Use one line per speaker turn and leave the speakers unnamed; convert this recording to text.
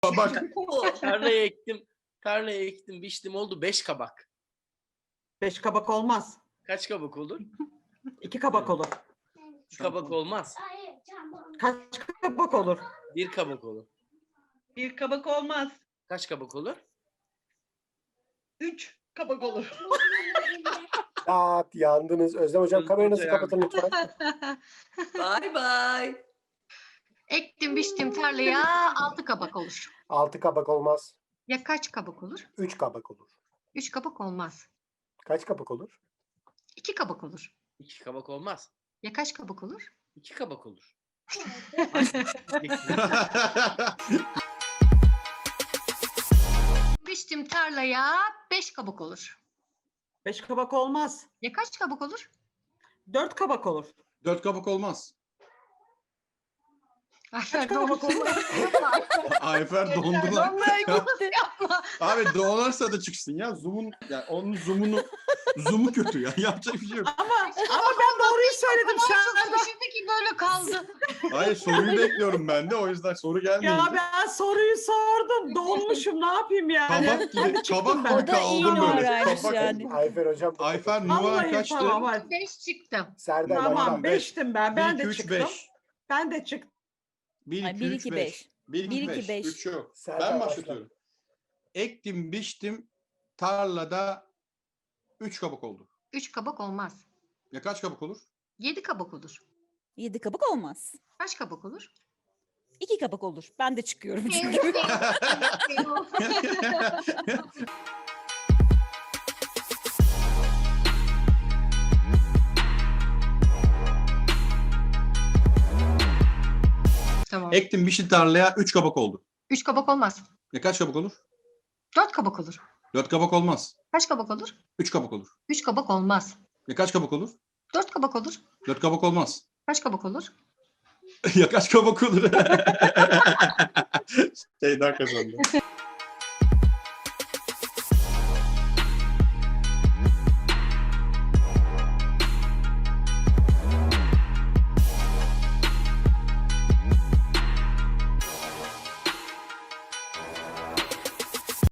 Bak.
Tarlaya ektim, biçtim, oldu 5 kabak.
5 kabak olmaz.
Kaç kabak olur?
2 kabak olur.
2 kabak olmaz.
Kaç kabak olur?
1 kabak olur.
1 kabak olmaz.
Kaç kabak olur?
3 kabak olur.
Yandınız. Özlem hocam kameranızı
Hocam.
kapatın lütfen.
Bay bay.
Ektim biçtim tarlaya 6 kabak olur.
6 kabak olmaz.
Ya kaç kabak olur?
3 kabak olur.
3 kabak olmaz.
Kaç kabak olur?
2 kabak olur.
2 kabak olmaz.
Ya kaç kabak olur?
2 kabak olur.
Biçtim tarlaya 5 kabak olur.
5 kabak olmaz.
Ya kaç kabak olur?
4 kabak olur.
4 kabak olmaz.
Ayfer
kabak olur?
Ayfer dondu lan.
Vallahi gitti. Yapma.
Abi donarsa da çıksın ya. Zoom'un yani onun zoom'u kötü ya. Yapacak bir şey yok.
Ama ben doğruyu söyledim.
Çok
Sen
şaşırdı ki böyle kaldı.
Hayır soruyu bekliyorum ben de. O yüzden soru gelmeyince.
ya ben soruyu sordum. Donmuşum. Ne yapayım yani?
Kabak gibi,
Hadi çıktım
kabak
ben.
gibi
O da iyi
kaldım böyle.
numaraymış
Kabak.
yani.
Ayfer hocam.
Ayfer numaran
Vallahi
kaçtı?
tamam hadi.
5 çıktım.
Serdar
Tamam
başla.
5'tim ben. Ben
1,
de
2, 3,
çıktım.
5.
Ben de çıktım.
1,
Ay,
2,
1,
3,
2,
5.
5.
1, 2,
1, 2,
5.
5.
3 yok.
Serdar
Ben
başla.
başlatıyorum. Ektim, biçtim, tarlada 3 kabak oldu.
3 kabak olmaz.
Ya kaç kabak olur?
7 kabak olur.
7 kabak olmaz.
Kaç kabak olur?
2 kabak olur. Ben de çıkıyorum çünkü.
Tamam.
Ektim, biçtim tarlaya 3 kabak oldu.
3 kabak olmaz.
Ya kaç kabak olur?
4 kabak olur.
4 kabak olmaz.
Kaç kabak olur?
3 kabak olur.
3 kabak olmaz.
Ya kaç kabak olur?
4 kabak olur.
4 kabak olmaz.
Kaç kabak olur?
Ya kaç kabak olur? Şeyden kazandı.